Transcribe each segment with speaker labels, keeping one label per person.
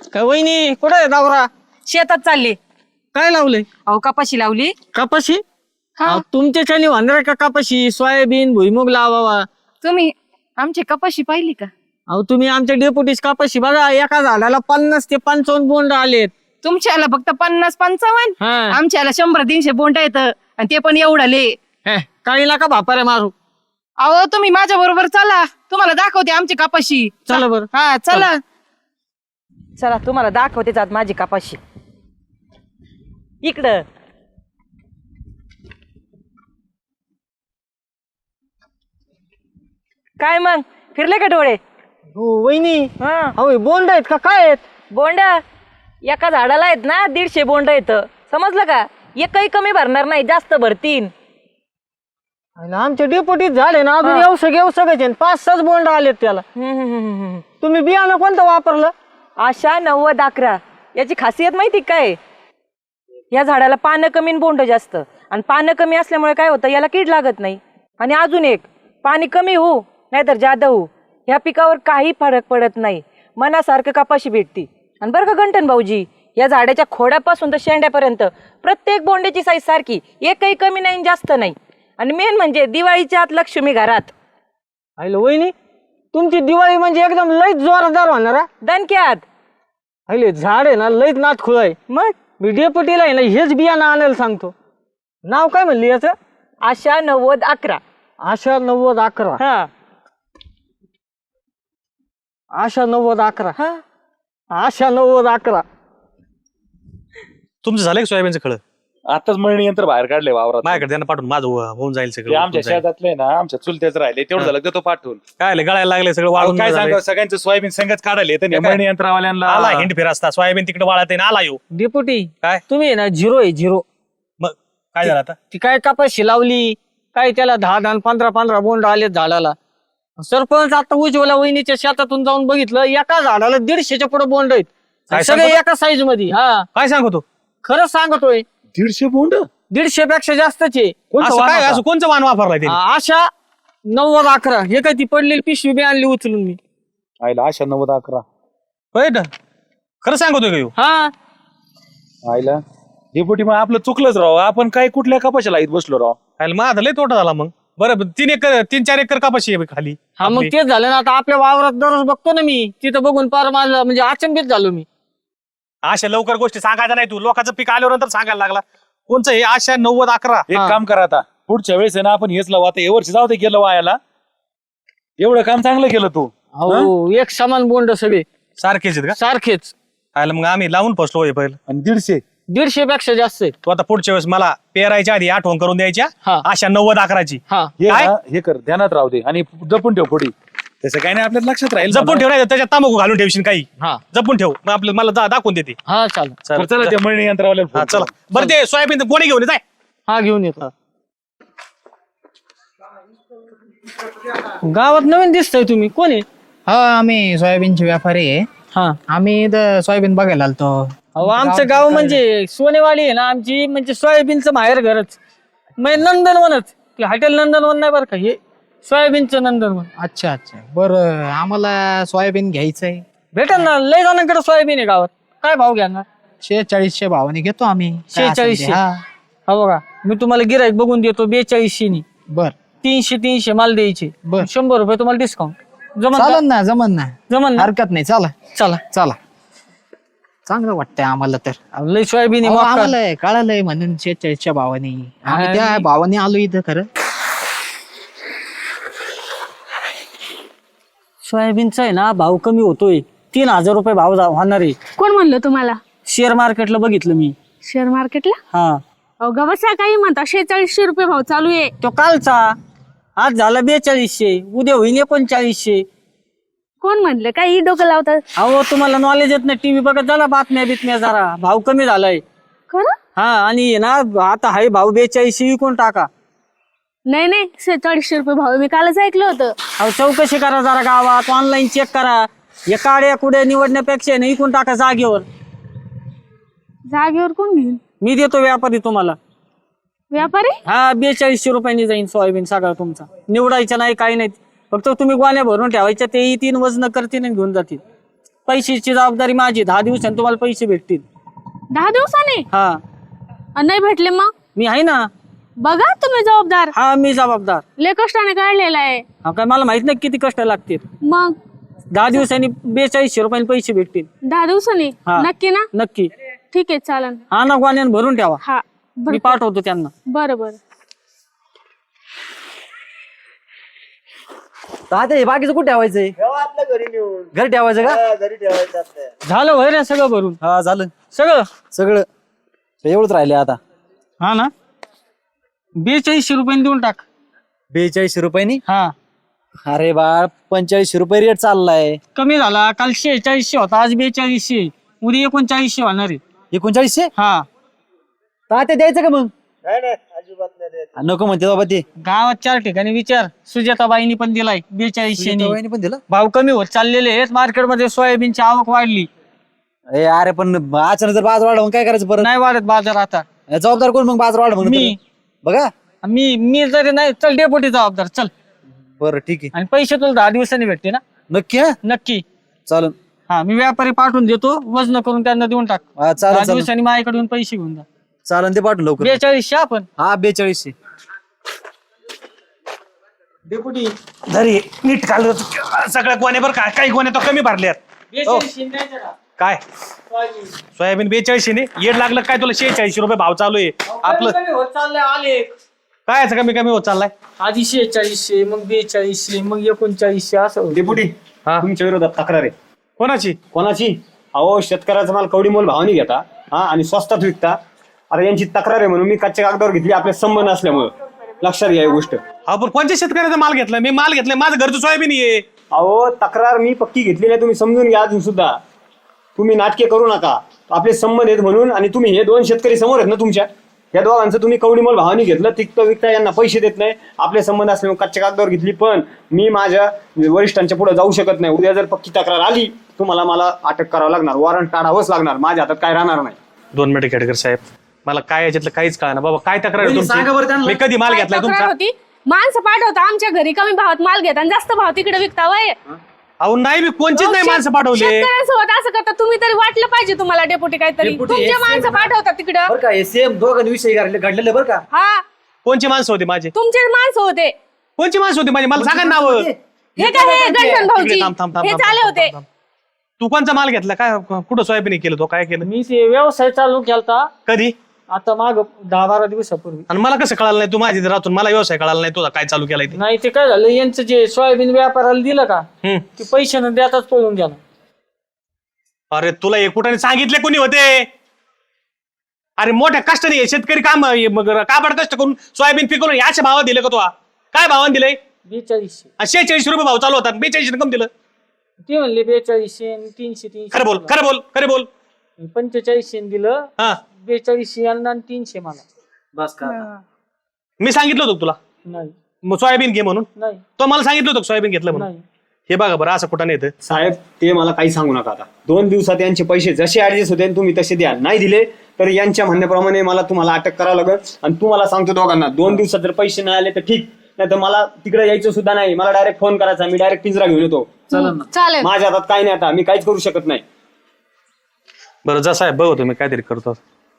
Speaker 1: काय वहिनी कुठे आहे दावरा?
Speaker 2: शेतात चालले.
Speaker 1: काय लावलंय?
Speaker 2: अहो कपाशी लावली.
Speaker 1: कपाशी?
Speaker 2: हा.
Speaker 1: तुमच्याच्यानी होणार का कपाशी? सोयाबीन भुईमुग लावावा.
Speaker 2: तुम्ही आमची कपाशी पाहिली का?
Speaker 1: अहो तुम्ही आमच्या डेपुटीस कपाशी बघा, एका झाडाला 50 ते 55 बोंड आलेत.
Speaker 2: तुमच्याला फक्त 50-55,
Speaker 1: हा.
Speaker 2: आमच्याला 100-300 बोंड येत आणि ते पण एवढाले.
Speaker 1: काही नका भापाऱ्या मारू.
Speaker 2: अहो तुम्ही माझ्या बरोबर चला, तुम्हाला दाखवते आमची कपाशी.
Speaker 1: चला बरं.
Speaker 2: हा चला चला, तुम्हाला दाखवते जात माझी कपाशी. इकडं काय मग फिरले का डोळे?
Speaker 1: हो वहिनी.
Speaker 2: हा.
Speaker 1: अहो बोंड आहेत का काय आहेत?
Speaker 2: बोंड एका झाडाला आहेत ना 150 बोंड येत. समजलं का? एकही कमी भरणार नाही, जास्त भरतीन.
Speaker 1: आमच्या डेपुटीत झाले ना अजून येऊ 5-6 बोंड आलेत त्याला. तुम्ही बियाणं कोणतं वापरलं?
Speaker 2: आशा 90-11 याची खासियत माहिती काय? या झाडाला पानं कमी आणि बोंड जास्त, आणि पानं कमी असल्यामुळे काय होतं, याला कीड लागत नाही. आणि अजून एक, पाणी कमी होऊ नाहीतर जादा होऊ, ह्या पिकावर काही फरक पडत नाही. मनासारखं कपाशी भेटती. आणि बरं का गंठन भाऊजी, या झाडाच्या खोडापासून तर शेंड्यापर्यंत प्रत्येक बोंड्याची साईज सारखी, एकही कमी नाही जास्त नाही. आणि मेन म्हणजे दिवाळीच्या आत लक्ष्मी घरात.
Speaker 1: हॅलो वहिनी, तुमची दिवाळी म्हणजे एकदम लईच जोरदार होणार हा.
Speaker 2: दणक्यात.
Speaker 1: हॅलो झाड आहे ना लईच नाथ खुळ आहे.
Speaker 2: मग
Speaker 1: मी डेपुटीला आहे ना हेच बियाणं आणायला सांगतो. नाव काय म्हणली याचं?
Speaker 2: आशा 90-11.
Speaker 1: आशा 90-11.
Speaker 2: हा
Speaker 1: आशा 90-11.
Speaker 2: हा.
Speaker 1: आशा 90-11.
Speaker 3: तुमचं झालंय का सोयाबीनचं खळ?
Speaker 4: आताच मळणी यंत्र बाहेर काढले वावरात.
Speaker 3: माझ्याकडे त्यांना पाठवून माझं होऊन जाईल
Speaker 4: ते
Speaker 3: सगळं.
Speaker 4: आमच्या शेतातले ना, आमच्या चुलत्याच राहिले तेवढं झालं की तो पाठवून.
Speaker 3: काय आलं, गळायला लागले सगळं वाळून.
Speaker 4: काय सांगा, सगळ्यांचं सोयाबीन संगच काढायले तर
Speaker 3: काय?
Speaker 4: मळणी यंत्रवाल्यांना
Speaker 3: आला हिंड फिर असता सोयाबीन तिकडे वाळत आहे ना, आला येऊ.
Speaker 1: डेपुटी
Speaker 3: काय?
Speaker 1: तुम्ही आहे ना झिरो आहे झिरो.
Speaker 3: मग काय झालं आता?
Speaker 1: ती काय कपाशी लावली काय, त्याला 10-10 15-15 बोंड आलेत झाडाला. सरपंच आता उज्ज्वला वहिनीच्या शेतातून जाऊन बघितलं, एका झाडाला 150च्या पुढे बोंड आहेत.
Speaker 3: काय
Speaker 1: सगळे
Speaker 3: सांगतो?
Speaker 1: एका साईज मध्ये. हा
Speaker 3: काय सांगतो?
Speaker 1: खरं सांगतोय.
Speaker 4: 150 बोंड.
Speaker 1: 150 पेक्षा जास्तच आहे.
Speaker 3: असं काय, असं कोणचं वाण वापरलाय ते?
Speaker 1: आशा 90-11. हे काय ती पडलेली पिशवी बी आणली उचलून मी.
Speaker 4: आईला आशा 90-11.
Speaker 3: होय ना? खरं सांगतोय का ह्यो?
Speaker 1: हा
Speaker 4: आईला डेपुटी मग आपलं चुकलंच राव. आपण काय कुठल्या कपाशाला इथं बसलो राव.
Speaker 3: आयला माझा लय तोटा झाला मग. बरं 3-4 एकर कापाशी आहे खाली.
Speaker 1: हा मग
Speaker 3: आपली.
Speaker 1: तेच झालं ना. आता आपल्या वावरात दररोज बघतो ना मी, तिथं बघून पार माझं म्हणजे अचंबित झालो मी.
Speaker 3: अशा लवकर गोष्टी सांगायच्या नाही. तू लोकांचं पीक आल्यावर नंतर सांगायला लागला. कोणचं हे आशा 90-11?
Speaker 4: एक काम करा आता, पुढच्या वेळेस आहे ना आपण हेच लावू. आता हे वर्षी जाऊ दे गेलं वायाला. एवढं काम चांगलं केलं तू.
Speaker 1: हो एक समान बोंड सगळे
Speaker 3: सारखेच आहेत का?
Speaker 1: सारखेच.
Speaker 3: आयला मग आम्ही लावून फसलो हे पहिलं.
Speaker 4: आणि 150.
Speaker 1: 150 पेक्षा जास्त आहेत.
Speaker 3: तू आता पुढच्या वेळेस मला पेरायच्या आधी आठवण करून द्यायच्या.
Speaker 1: हा.
Speaker 3: आशा 90-11ची.
Speaker 1: हा
Speaker 4: हे
Speaker 3: काय?
Speaker 4: ना, हे कर, ध्यानात राहू दे आणि जपून ठेव पुढे. तसं काही नाही, आपल्या लक्षात राहील.
Speaker 3: जपून ठेव, नाही त्याच्यात तांबाखू घालून ठेवशील काही.
Speaker 1: हा
Speaker 3: जपून ठेव, मग आपलं मला दाखवून देते.
Speaker 1: हा चालेल.
Speaker 4: तर चला त्या मळणी यंत्रवाल्याला
Speaker 3: हा
Speaker 4: फोन
Speaker 3: चला.
Speaker 4: करू.
Speaker 3: बरं ते सोयाबीन कोणी घेऊन येत आहे?
Speaker 1: हा घेऊन येतो. गावात नवीन दिसतंय तुम्ही, कोण आहे?
Speaker 5: हा आम्ही सोयाबीनचे व्यापारी आहे.
Speaker 1: हा
Speaker 5: आम्ही इथं सोयाबीन बघायला आलतो.
Speaker 1: अहो आमचं गाव म्हणजे सोनेवाडी आहे ना आमची, म्हणजे सोयाबीनचं माहेर घरच. म्हणजे नंदनवनच. ते हॉटेल नंदनवन नाही बरं का, हे सोयाबीनचं नंदनवन.
Speaker 5: अच्छा अच्छा, बरं आम्हाला सोयाबीन घ्यायचंय.
Speaker 1: भेटेल ना, लय जणांकडे सोयाबीन आहे गावात. काय भाव घ्याणार?
Speaker 5: 4600 भावाने घेतो आम्ही. काय असेल ते.
Speaker 1: 4600.
Speaker 5: हा
Speaker 1: हा बघा मी तुम्हाला गिराईक बघून देतो 4200 नी.
Speaker 5: बर
Speaker 1: 300 माल द्यायचे.
Speaker 5: बर.
Speaker 1: 100 रुपये तुम्हाला डिस्काउंट. जमन का?
Speaker 5: चालन ना, जमन ना,
Speaker 1: जमन ना?
Speaker 5: हरकत नाही. चला
Speaker 1: चला.
Speaker 5: चला, चांगलं वाटतंय आम्हाला तर.
Speaker 1: अहो, लय सोयाबीन आहे,
Speaker 5: अहो,
Speaker 1: मका.
Speaker 5: आम्हाला कळालंय म्हणून 4600 भावाने आम्ही त्या भावाने आलो इथं. खरं
Speaker 1: सोयाबीनचा आहे ना भाव कमी होतोय. 3000 रुपये भाव होणार आहे.
Speaker 6: कोण म्हणलं तुम्हाला?
Speaker 1: शेअर मार्केटला बघितलं मी.
Speaker 6: शेअर मार्केटला?
Speaker 1: हा
Speaker 6: अहो गवसा काही म्हणता 4600 रुपये भाव चालू आहे.
Speaker 1: तो कालचा. आज झाला 4200, उद्या होईल 3900.
Speaker 6: कोण म्हणलं? काही डोकं लावतात?
Speaker 1: अहो तुम्हाला नॉलेज येत नाही, टीव्ही बघत झाला, बातम्या बितम्या जरा. भाव कमी झालाय.
Speaker 6: खरं?
Speaker 1: हा आणि ना आता हाय भाव 4200 विकून टाका.
Speaker 6: नाही नाही, 4600 रुपये भाव मी कालच ऐकलं होतं.
Speaker 1: अहो चौकशी करा जरा गावात, ऑनलाईन चेक करा. या काड्या कुड्या निवडण्यापेक्षा नाही विकून टाका जागेवर.
Speaker 6: जागेवर कोण घेईल?
Speaker 1: मी देतो व्यापारी तुम्हाला.
Speaker 6: व्यापारी?
Speaker 1: हा 4200 रुपयांनी जाईन सोयाबीन सगळा तुमचा. निवडायचं नाही काही नाही, फक्त तुम्ही गोण्या भरून ठेवायच्या, ते 3 वजन करतील आणि घेऊन जातील. पैशाची जबाबदारी माझी. 10 दिवसांनी तुम्हाला पैसे भेटतील.
Speaker 6: 10 दिवसांनी
Speaker 1: हा
Speaker 6: नाही भेटले मग?
Speaker 1: मी आहे ना.
Speaker 6: बघा तुम्ही जबाबदार.
Speaker 1: हा मी जबाबदार.
Speaker 6: लय कष्टाने काढलेला आहे.
Speaker 1: हा काय मला माहित नाही किती कष्ट लागतील.
Speaker 6: मग
Speaker 1: 10 दिवसांनी 4200 रुपयाने पैसे भेटतील.
Speaker 6: 10 दिवसांनी
Speaker 1: हा.
Speaker 6: नक्की ना?
Speaker 1: नक्की.
Speaker 6: ठीक आहे चालन.
Speaker 1: हा ना गोण्याने भरून ठेवा.
Speaker 6: हा
Speaker 1: मी पाठवतो त्यांना.
Speaker 6: बरं बरं.
Speaker 7: तात्या बाकीचं कुठे ठेवायचंय? घरी ठेवायचं का?
Speaker 1: झालं होय रे सगळं भरून?
Speaker 7: हा झालं
Speaker 1: सगळं.
Speaker 7: सगळं. एवढंच राहिले आता.
Speaker 1: हा ना 4200 रुपयाने देऊन टाक.
Speaker 7: 42 रुपयांनी?
Speaker 1: हा
Speaker 7: अरे बाळ 45 रुपये रेट चाललाय.
Speaker 1: कमी झाला. काल 4600 होता, आज 4200. उद्या 3900 होणार आहे.
Speaker 7: 3900?
Speaker 1: हा
Speaker 7: तात्या द्यायचं का मग? नको म्हणते बाबा ते.
Speaker 1: गावात 4 ठिकाणी विचार. सुजाताबाईंनी पण दिलाय 4200
Speaker 7: वहिनी पण दिलं.
Speaker 1: भाव कमी होत चाललेले आहेत. मार्केटमध्ये सोयाबीनची आवक वाढली.
Speaker 7: अरे पण अचानक जर बाजार वाढ काय करायचं परत?
Speaker 1: नाही वाढत बाजार आता.
Speaker 7: जबाबदार कोण मग बाजार वाढ म्हणून?
Speaker 1: मी.
Speaker 7: बघा.
Speaker 1: मी जरी नाही चल डेपुटी जबाबदार. चल.
Speaker 7: बरं ठीक आहे.
Speaker 1: आणि पैसे तुला 10 दिवसांनी भेटते ना?
Speaker 7: नक्की? हा
Speaker 1: नक्की.
Speaker 7: चालन.
Speaker 1: हा मी व्यापारी पाठवून देतो. वजन करून त्यांना देऊन टाक.
Speaker 7: हा
Speaker 1: 10
Speaker 7: चालन.
Speaker 1: दिवसांनी माझ्याकडून पैसे घेऊन जा.
Speaker 7: चालन ते पाठवून लवकर.
Speaker 1: 4200 आपण.
Speaker 7: हा 4200.
Speaker 1: डेपुटी
Speaker 3: जरी नीट काढलं सगळ्या गोण्या बरं का, काही गोण्या तो कमी भरल्यात.
Speaker 1: 4200 द्यायचं का?
Speaker 3: काय
Speaker 1: सोयाबीन.
Speaker 3: सोयाबीन 4200 ने येड लागलं काय तुला? 46 रुपये भाव चालू आहे आपलं.
Speaker 1: कमी होत चाललंय आले.
Speaker 3: काय याचं कमी कमी होत चाललाय?
Speaker 1: आधी 4600 मग 4200 मग 3900 असं होतं.
Speaker 8: डेपुटी
Speaker 3: हा.
Speaker 8: तुमच्या विरोधात तक्रार आहे.
Speaker 3: कोणाची?
Speaker 8: कोणाची? अहो शेतकऱ्याचा माल कवडी मोल भावाने घेता हा आणि स्वस्तात विकता. आता यांची तक्रार आहे म्हणून मी कच्च्या कागदावर घेतली आपले संबंध असल्यामुळं. लक्षात घ्या ही गोष्ट.
Speaker 3: अहो पण कोणत्या शेतकऱ्याचा माल घेतला? मी माल घेतलाय, माझं घरचं सोयाबीन आहे.
Speaker 8: अहो तक्रार मी पक्की घेतलेली आहे, तुम्ही समजून घ्या. अजून सुद्धा तुम्ही नाटके करू नका. आपले संबंध आहेत म्हणून. आणि तुम्ही हे 2 शेतकरी समोर आहेत ना तुमच्या, या दोघांचं तुम्ही कवडी मोल भावाने घेतलं. तिकतं विकता यांना पैसे देत नाही. आपले संबंध असल्यामुळे कच्च्या कागदावर घेतली. पण मी माझ्या वरिष्ठांच्या पुढे जाऊ शकत नाही. उद्या जर पक्की तक्रार आली तुम्हाला मला अटक करावं लागणार. वॉरंट काढावंच लागणार. माझ्या हातात काय राहणार नाही.
Speaker 3: 2 मिनिटं खेडकर साहेब, मला काय याच्यातलं काहीच कळणार बाबा. काय तक्रार आहे
Speaker 7: सांगा बरं
Speaker 3: तुमची?
Speaker 7: त्यांना.
Speaker 3: मी कधी माल
Speaker 6: काय
Speaker 3: घेतलाय
Speaker 6: तक्रार
Speaker 3: तुमचा?
Speaker 6: होती? माणसं पाठवता आमच्या घरी कमी भावात माल घेता आणि जास्त भाव तिकडे विकता वय.
Speaker 3: अहो नाही, मी कोणचीच नाही माणसं पाठवले.
Speaker 6: शेतकऱ्यांसोबत असं करता तुम्ही तरी वाटलं पाहिजे तुम्हाला डेपुटी काहीतरी.
Speaker 7: डेपुटी,
Speaker 6: तुमचे
Speaker 7: हे
Speaker 6: माणसं पाठवता तिकडं.
Speaker 7: बरं का हे सेम दोघांनी विषय घडलेले बरं का?
Speaker 6: हा
Speaker 3: कोणची माणसं होती माझी?
Speaker 6: तुमचे माणसं होते.
Speaker 3: कोणची माणसं होती माझी? मला सांगा ना नाव.
Speaker 6: हे काय हे गणपण भाऊजी
Speaker 3: थांब, थांब, थांब,
Speaker 6: हे
Speaker 3: थांब,
Speaker 6: चाले
Speaker 3: थांब,
Speaker 6: होते.
Speaker 3: थांब. तू कोणचा माल घेतला? काय कुठं सोयाबीन केलं? तो काय केलं?
Speaker 1: मी ते व्यवसाय चालू केलता
Speaker 3: कधी?
Speaker 1: आता माग 10-12 दिवसापूर्वी.
Speaker 3: आणि मला कसं कळालं नाही? तू माझी इथे राहतून मला व्यवसाय कळाला नाही तुझा काय चालू केलाय ते?
Speaker 1: नाही ते काय झालं यांचं जे सोयाबीन व्यापाराला दिलं का
Speaker 3: हम्म.
Speaker 1: ते पैसे न देताच पळून गेला.
Speaker 3: अरे तुला एकूटाने सांगितले कोणी होते? अरे मोठ्या कष्टाने हे शेतकरी काम मग काबड कष्ट करून सोयाबीन पिकवून याच्या भावात दिले का? तो काय भावाने दिलंय?
Speaker 1: 4200.
Speaker 3: 46 रुपये भाव चालू होता. 42 कम दिलं.
Speaker 1: ते म्हणले 4200 आणि 300.
Speaker 3: खरं बोल, खरं बोल, खरं बोल.
Speaker 1: 4500 दिलं.
Speaker 3: हा
Speaker 1: 4200 यांना आणि 300 मला.
Speaker 7: बस का?
Speaker 3: मी सांगितलं होतं तुला
Speaker 1: नाही
Speaker 3: मग सोयाबीन घे म्हणून?
Speaker 1: नाही
Speaker 3: तो मला सांगितलं होतं सोयाबीन घेतलं म्हणून.
Speaker 1: नाही.
Speaker 3: हे बघा बरं असं कुठं नाही येतं.
Speaker 8: साहेब ते मला काही सांगू नका. आता 2 दिवसात यांचे पैसे जसे ऍडजस्ट होते तुम्ही तसे द्या. नाही दिले तर यांच्या म्हणण्याप्रमाणे मला तुम्हाला अटक करावं लागेल. आणि तुम्हाला सांगतो दोघांना 2 दिवसात जर पैसे नाही आले तर ठीक, नाही तर मला तिकडे यायचं सुद्धा नाही. मला डायरेक्ट फोन करायचा. मी डायरेक्ट पिंजरा घेऊन येतो.
Speaker 6: चालेल.
Speaker 8: माझ्या हातात काय नाही. आता मी काहीच करू शकत नाही.
Speaker 3: बरं जा साहेब, बघ तुम्ही काहीतरी करतो.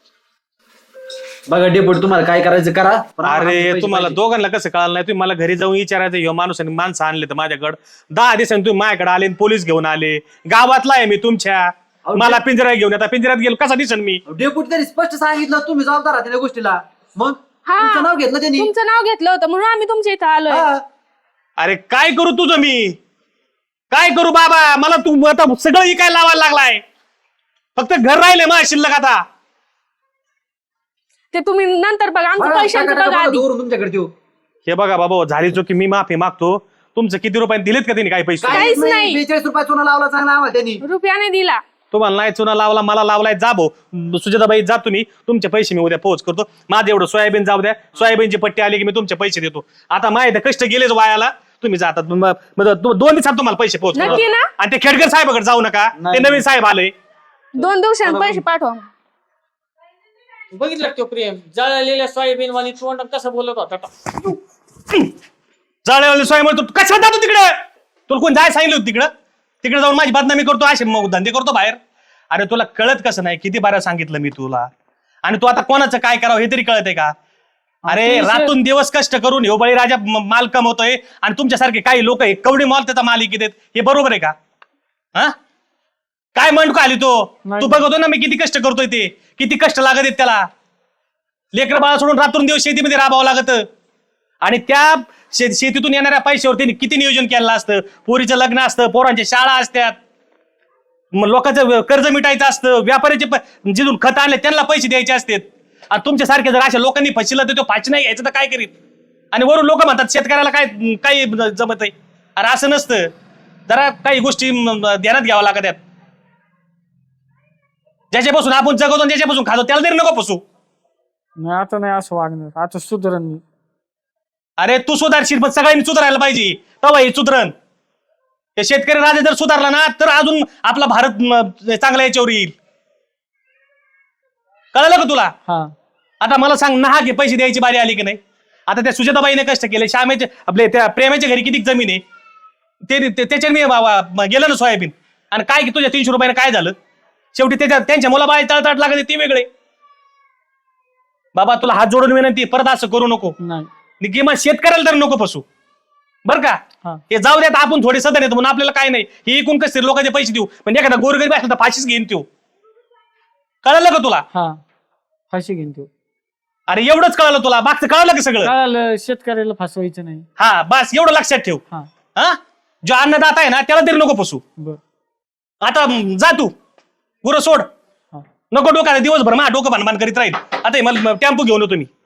Speaker 7: बघा डेपुटी तुम्हाला काय करायचं करा.
Speaker 3: अरे तुम्हाला दोघांना कसं कळालं नाही? तुम्ही मला घरी जाऊन विचारायचं ह्यो माणूस आणि माणसं आणले तर माझ्याकडे 10 दिवसांनी तुम्ही माझ्याकडे आले आणि पोलीस घेऊन आले. गावातला आहे मी तुमच्या. मला पिंजरा घेऊन आता पिंजऱ्यात गेलो कसा दिसन मी?
Speaker 7: डेपुटी तरी स्पष्ट सांगितलं तुम्ही जबाबदार आहात त्या गोष्टीला. मग
Speaker 6: हा.
Speaker 7: तुमचं नाव घेतलं त्यांनी.
Speaker 6: तुमचं नाव घेतलं होतं म्हणून आम्ही तुमच्या इथं आलोय.
Speaker 7: हा.
Speaker 3: अरे काय करू तुझं मी? काय करू बाबा? मला तू आता सगळं इकायला लावायला लागलाय. फक्त घर राहिले मग शिल्लक आता.
Speaker 6: ते तुम्ही नंतर बघा. आमचं
Speaker 7: बघा,
Speaker 6: पैशांचं
Speaker 7: टाका,
Speaker 6: बघा
Speaker 7: टाका,
Speaker 6: आधी.
Speaker 7: दोरून तुमच्याकडे देऊ.
Speaker 3: हे बघा बाबा, झाली चुकी, मी माफी मागतो. तुमचं किती रुपयाने दिलेत का त्यांनी काही पैसे?
Speaker 6: काहीच नाही.
Speaker 7: 42 रुपये चुना लावला चांगला आम्हाला त्यांनी.
Speaker 6: रुपयाने दिला.
Speaker 3: तुम्हाला नाही चुना लावला, मला लावलाय. जा भाऊ सुजाताबाई, जा तुम्ही. तुमचे पैसे मी उद्या पोहोच करतो. माझं एवढं सोयाबीन जाऊ द्या. सोयाबीनची पट्टी आली की मी तुमचे पैसे देतो. आता माहिती कष्ट गेलेच वायाला. तुम्ही जातात 2 दिवसात तुम्हाला पैसे पोहोच करतो.
Speaker 6: नक्की ना?
Speaker 3: आणि ते खेडकर साहेबाकडे जाऊ नका. ते नवीन साहेब आले.
Speaker 6: 2 दिवसांनी पैसे पाठवा.
Speaker 1: बघितलं तो प्रेम जळलेल्या सोयाबीन वाली तोंड कसं बोलत होता.
Speaker 3: जाळेवाले सोय म्हणतो कशाला जातो तिकडे? तुला कोण जाय सांगितलं होतं तिकडं? तिकडे जाऊन माझी बदनामी करतो, असे मग धंदे करतो बाहेर. अरे तुला कळत कसं नाही, किती बारा सांगितलं मी तुला. आणि तू आता कोणाचं काय करावं हे तरी कळत आहे का? अरे रातून दिवस कष्ट करून ह्यो बळीराजा माल कमवतोय आणि तुमच्यासारखे काही लोक कवडी मॉल त्याचा मालिकी देत, हे बरोबर आहे का? हा काय म्हणतो आली तो? तू बघतो ना मी किती कष्ट करतोय, ते किती कष्ट लागत आहेत त्याला. लेकर बाळा सोडून रात्रून दिवस शेतीमध्ये राबावं लागत. आणि त्या शेतीतून येणाऱ्या पैशावर त्यांनी किती नियोजन केलं असतं. पोरीचं लग्न असतं, पोरांच्या शाळा असतात, मग लोकांचं कर्ज मिटायचं असतं, व्यापाऱ्याचे जिथून खत आणले त्यांना पैसे द्यायचे असतात. आणि तुमच्यासारखे जर अशा लोकांनी फसिलं तर तो फाशी नाही घ्यायचं तर काय करीत? आणि वरून लोक म्हणतात शेतकऱ्याला काय काही जमत आहे. अरे असं नसतं, जरा काही गोष्टी ध्यानात घ्यावं लागतात. ज्याच्यापासून आपण जगवतो आणि ज्याच्यापासून खातो त्याला तरी नको फसू.
Speaker 1: नाही आता नाही असं वागणार, आता सुधरण मी.
Speaker 3: अरे तू सुधारशील पण सगळ्यांनी सुधारायला पाहिजे, तेव्हा हे सुधरण. हे शेतकरी राजा जर सुधारला ना तर अजून आपला भारत चांगला याच्यावर येईल. कळलं का तुला?
Speaker 1: हा
Speaker 3: आता मला सांग, नहा घे पैसे द्यायची बारी आली की नाही? आता त्या सुजाताबाईने कष्ट केले, श्यामेचे आपले त्या प्रेमाच्या घरी किती जमीन आहे ते त्याच्याने मी गेलं ना सोयाबीन. आणि काय की तुझ्या 300 रुपयाने काय झालं? शेवटी त्यांच्या मुलाबाई तळतळ लागत ते वेगळे. बाबा तुला हात जोडून विनंती, परत असं करू नको.
Speaker 1: नाही
Speaker 3: किंवा शेतकऱ्याला तर नको फसू, बर का? हे जाऊ द्यात, आपण थोडे सदन येतो म्हणून आपल्याला काय नाही, हे एकूण कसं लोकांचे पैसे देऊ. म्हणजे एखादा गोरगरीब असला तर फाशीच घेईन तो. कळलं का तुला?
Speaker 1: हा फाशी घेईन तू.
Speaker 3: अरे एवढंच कळलं तुला, मागचं कळलं का सगळं?
Speaker 1: कळालं, शेतकऱ्याला फसवायचं नाही.
Speaker 3: हा बस एवढं लक्षात ठेव.
Speaker 1: हा
Speaker 3: हा जो अन्नदाता आहे ना त्याला तरी नको फसू.
Speaker 1: बर
Speaker 3: आता जा तू, गुरं सोड.
Speaker 1: हा.
Speaker 3: नको डोक्याला दिवसभर मा डोकं भानभान करीत राहील. आता मला टेम्पो घेऊन येतो मी.